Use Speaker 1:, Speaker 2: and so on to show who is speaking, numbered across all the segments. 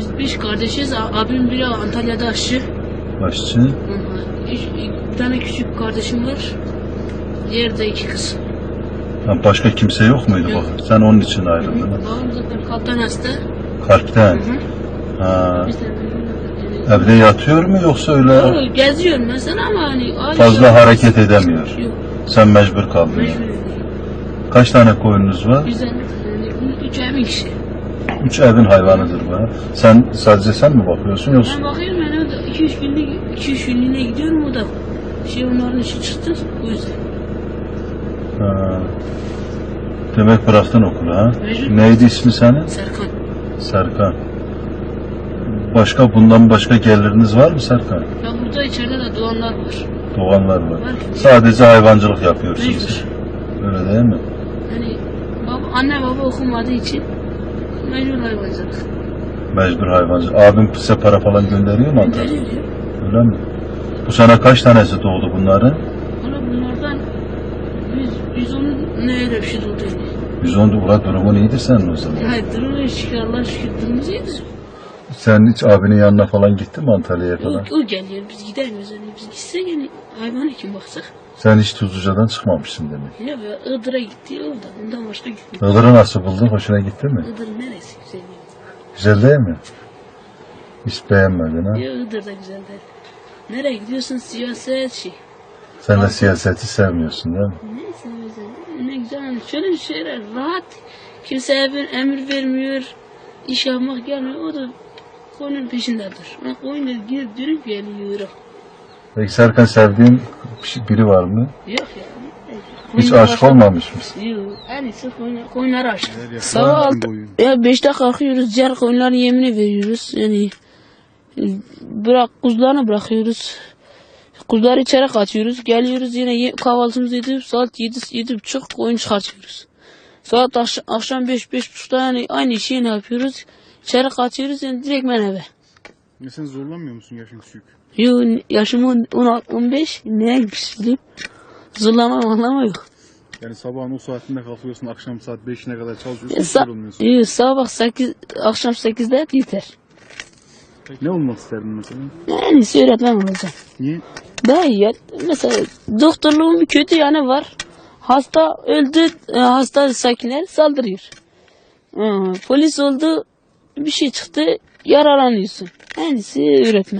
Speaker 1: Biz beş kardeşiz. Abim biri Antalya'da aşçı.
Speaker 2: Aşçı.
Speaker 1: Bir tane küçük kardeşim var. Diğer de iki kız.
Speaker 2: Ha, başka kimse yok muydu
Speaker 1: Yok.
Speaker 2: bak? Sen onun için ayrıldın. Ha?
Speaker 1: Babam zaten kalpten hasta.
Speaker 2: Kalpten. Ha. Evde yatıyor mu yoksa öyle
Speaker 1: Geziyor mesela ama hani
Speaker 2: fazla hareket edemiyor?
Speaker 1: Yok.
Speaker 2: Sen mecbur kaldın.
Speaker 1: Mecbur.
Speaker 2: Kaç tane koyunuz var?
Speaker 1: Güzel. Yani 3 evin kişi.
Speaker 2: 3 evin hayvanıdır bu. Ha? Sen sadece sen mi bakıyorsun yoksa?
Speaker 1: Ben bakıyorum yani o da 2-3 günlüğüne gidiyorum o da. Onların işi çıktı o yüzden.
Speaker 2: Ha. Demek bıraktın okulu ha?
Speaker 1: Mecbur.
Speaker 2: Neydi ismi senin?
Speaker 1: Serkan.
Speaker 2: Serkan. Bundan başka geliriniz var mı Serkan?
Speaker 1: Ya burada içeride de doğanlar var.
Speaker 2: Doğanlar var.
Speaker 1: Var.
Speaker 2: Sadece hayvancılık yapıyorsunuz.
Speaker 1: Mecbur.
Speaker 2: Öyle değil mi?
Speaker 1: Hani anne baba okumadığı için mecbur hayvancılık.
Speaker 2: Mecbur hayvancılık. Abim size para falan gönderiyor mu Antalya'ya?
Speaker 1: Veriyor ya.
Speaker 2: Öyle mi? Bu sene kaç tanesi doğdu bunların?
Speaker 1: Valla bunlardan 110 ne öyle bir şey oldu yani.
Speaker 2: 110 ulan durumun iyidir senin o zaman.
Speaker 1: Hayır durumu şükür Allah'a şükür durumumuz iyidir.
Speaker 2: Sen hiç abinin yanına falan gittin mi Antalya'ya falan?
Speaker 1: O geliyor biz gidemiyoruz yani biz gitsek yani hayvana kim baksak.
Speaker 2: Sen hiç Tuzluca'dan çıkmamışsın demek.
Speaker 1: Ya be Iğdır'a gitti orada ondan başka gitmiyor.
Speaker 2: Iğdır'ı nasıl buldun? Hoşuna gitti mi?
Speaker 1: Iğdır neresi güzel yani.
Speaker 2: Güzel değil mi? Hiç beğenmedin ha?
Speaker 1: Ya Iğdır da güzel değil. Nereye gidiyorsun siyaset şey.
Speaker 2: Sen de siyaseti sevmiyorsun değil mi?
Speaker 1: Neyse güzel. Ne güzel hani şöyle şeyler rahat. Kimse emir vermiyor. İş yapmak gelmiyor. O da koyunun peşindedir. Koyunla girip dönüp geliyor.
Speaker 2: Peki Serkan sevdiğin biri var mı?
Speaker 1: Yok ya.
Speaker 2: Hiç aşık olmamış mısın?
Speaker 1: Yok. En iyisi koyunlara aşık. Sabah 5'te kalkıyoruz. Diğer koyunların yemini veriyoruz. Yani kuzularını bırakıyoruz. Kuzuları içeri kaçıyoruz. Geliyoruz yine kahvaltımızı edip saat 7:30 koyun çıkartıyoruz. Saat akşam 5-5:30'da yani aynı şeyi yapıyoruz. İçeri kaçıyoruz yani direkt ben eve.
Speaker 3: Ya sen zorlanmıyor musun yaşın küçük?
Speaker 1: Yok yaşım 15 neye gitmiştim? Zorlama yok.
Speaker 3: Yani sabahın o saatinde kalkıyorsun, akşam saat 5'ine kadar çalışıyorsun, yorulmuyorsun.
Speaker 1: Yok sabah 8, akşam 8'de hep yeter.
Speaker 3: Ne olmak isterdin mesela?
Speaker 1: Yani öğretmen olacağım.
Speaker 3: Niye?
Speaker 1: Daha iyi ya. Mesela doktorluğun bir kötü yanı var. Hasta öldü, hasta sakinler saldırıyor. Polis oldu, bir şey çıktı, yaralanıyorsun. En iyisi öğretmen.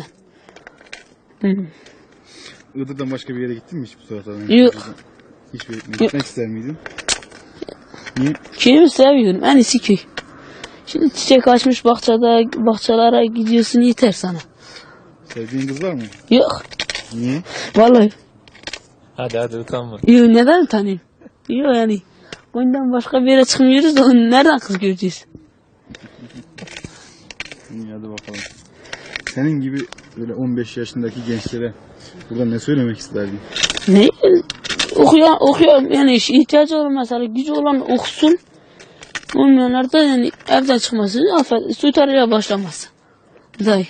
Speaker 3: Iğdır'dan başka bir yere gittin mi hiç bu saatte?
Speaker 1: Yok.
Speaker 3: Hiçbir yere gitmek ister miydin? Niye?
Speaker 1: Köyümü seviyorum, en iyisi köy. Şimdi çiçek açmış bahçelere gidiyorsun yeter sana.
Speaker 3: Sevdiğin kız var mı?
Speaker 1: Yok,
Speaker 3: Niye?
Speaker 1: vallahi.
Speaker 4: Hadi utanma.
Speaker 1: Yok, neden utanayım? Yok yani. Bundan başka bir yere çıkmıyoruz da nereden kız göreceğiz?
Speaker 3: İyi hadi bakalım. Senin gibi böyle 15 yaşındaki gençlere burada ne söylemek isterdin?
Speaker 1: Ne? Okuyor yani ihtiyacı olan mesela gücü olan okusun. Olmayanlar da yani evden çıkması, soytarıya başlaması. Dayı.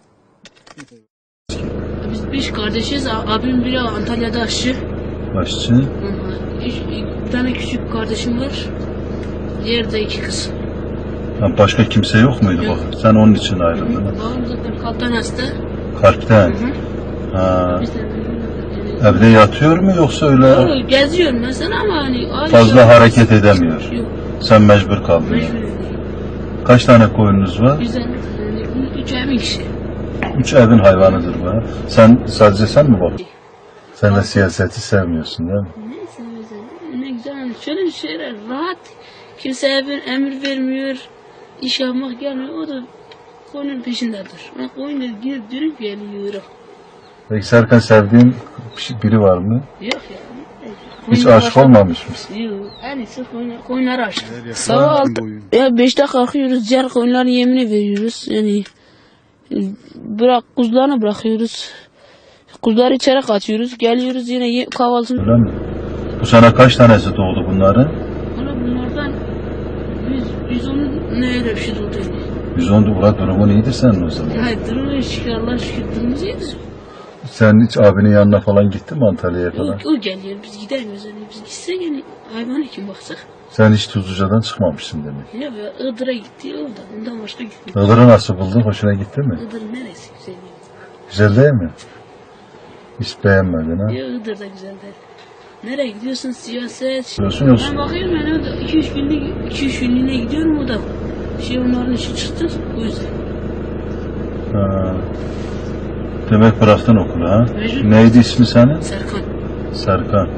Speaker 1: Biz beş kardeşiz. Abim biri Antalya'da aşçı.
Speaker 2: Aşçı.
Speaker 1: Bir tane küçük kardeşim var. Diğer de iki kız.
Speaker 2: Ha, başka kimse yok muydu
Speaker 1: Yok.
Speaker 2: bak? Sen onun için ayrıldın. Ha?
Speaker 1: Babam zaten kalpten hasta.
Speaker 2: Kalpten. Ha.
Speaker 1: Biz de
Speaker 2: Evde yatıyor mu yoksa öyle
Speaker 1: geziyor mesela ama hani
Speaker 2: fazla hareket edemiyor?
Speaker 1: Yok.
Speaker 2: Sen mecbur kaldın.
Speaker 1: Mecbur.
Speaker 2: Kaç tane koyunuz var?
Speaker 1: Güzel. Yani 3 evin kişi.
Speaker 2: 3 evin hayvanıdır bu. Ha? Sadece sen mi bak? Sen de siyaseti sevmiyorsun değil mi?
Speaker 1: Neyse güzel. Ne güzel hani şöyle şeyler rahat. Kimse emir vermiyor. İş yapmak gelmiyor. O da koyunun peşindedir. Koyunla girip dönüp geliyor.
Speaker 2: Peki Serkan sevdiğin biri var mı?
Speaker 1: Yok ya.
Speaker 2: Hiç aşık olmamış mısın?
Speaker 1: Yok. En iyisi koyunlara aşık.
Speaker 3: Sabah
Speaker 1: Sabah 5'te kalkıyoruz. Diğer koyunların yemini veriyoruz. Yani kuzularını bırakıyoruz. Kuzuları içeri kaçıyoruz. Geliyoruz yine kahvaltımızı.
Speaker 2: Öyle mi? Bu sene kaç tanesi doğdu bunların?
Speaker 1: Valla bunlardan 110 ne öyle bir şey oldu yani.
Speaker 2: 110 ulan durumun iyidir senin o zaman.
Speaker 1: Hayır durumu şükür Allah'a şükür durumumuz iyidir.
Speaker 2: Sen hiç abinin yanına falan gittin mi Antalya'ya falan?
Speaker 1: O geliyor biz gidemiyoruz yani biz gitsek yani hayvana kim baksak.
Speaker 2: Sen hiç Tuzluca'dan çıkmamışsın demek.
Speaker 1: Ya Iğdır'a gitti orada. Ondan başka gitmiyor.
Speaker 2: Iğdır'ı nasıl buldun? Hoşuna gitti mi?
Speaker 1: Iğdır neresi güzel ya?
Speaker 2: Güzel değil mi? Hiç beğenmedin ha?
Speaker 1: Ya Iğdır da güzel değil. Nereye gidiyorsun siyaset?
Speaker 2: Gidiyorsun yoksa?
Speaker 1: Ben bakıyorum yani orada 2-3 günlüğüne gidiyorum o da. Onların işi çıktı o yüzden.
Speaker 2: Ha. Demek bıraktın okulu ha?
Speaker 1: Mecbur.
Speaker 2: Neydi ismi senin?
Speaker 1: Serkan.
Speaker 2: Serkan.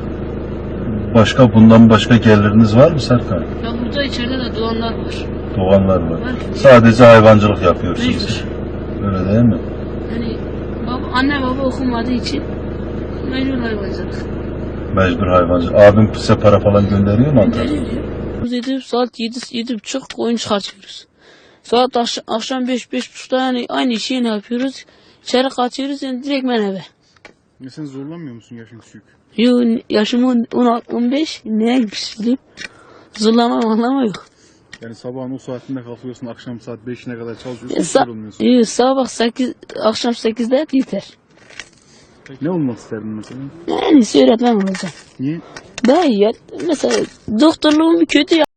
Speaker 2: Bundan başka geliriniz var mı Serkan?
Speaker 1: Ya burada içeride de doğanlar var.
Speaker 2: Doğanlar var.
Speaker 1: Var.
Speaker 2: Sadece hayvancılık yapıyorsunuz.
Speaker 1: Mecbur.
Speaker 2: Öyle değil mi?
Speaker 1: Hani anne baba okumadığı için mecbur hayvancılık.
Speaker 2: Mecbur hayvancılık. Abim size para falan gönderiyor mu Ankara'ya?
Speaker 1: Geliyor ya. Biz edip saat 7-7.30 koyun çıkartıyoruz. Saat akşam 5-5.30'da yani aynı işi yine yapıyoruz. İçeri kaçıyoruz yani direkt ben eve.
Speaker 3: Ya sen zorlanmıyor musun yaşın küçük?
Speaker 1: Yo yaşım 16-15 neye gitmiştim? Zorlama anlama yok.
Speaker 3: Yani sabahın o saatinde kalkıyorsun, akşam saat 5'ine kadar çalışıyorsun, hiç yorulmuyorsun.
Speaker 1: Yo, sabah 8, akşam 8'de yeter.
Speaker 3: Ne olmak isterdin mesela?
Speaker 1: Yani öğretmen olacağım.
Speaker 3: Niye?
Speaker 1: Daha iyi ya. Mesela doktorluğum kötü ya.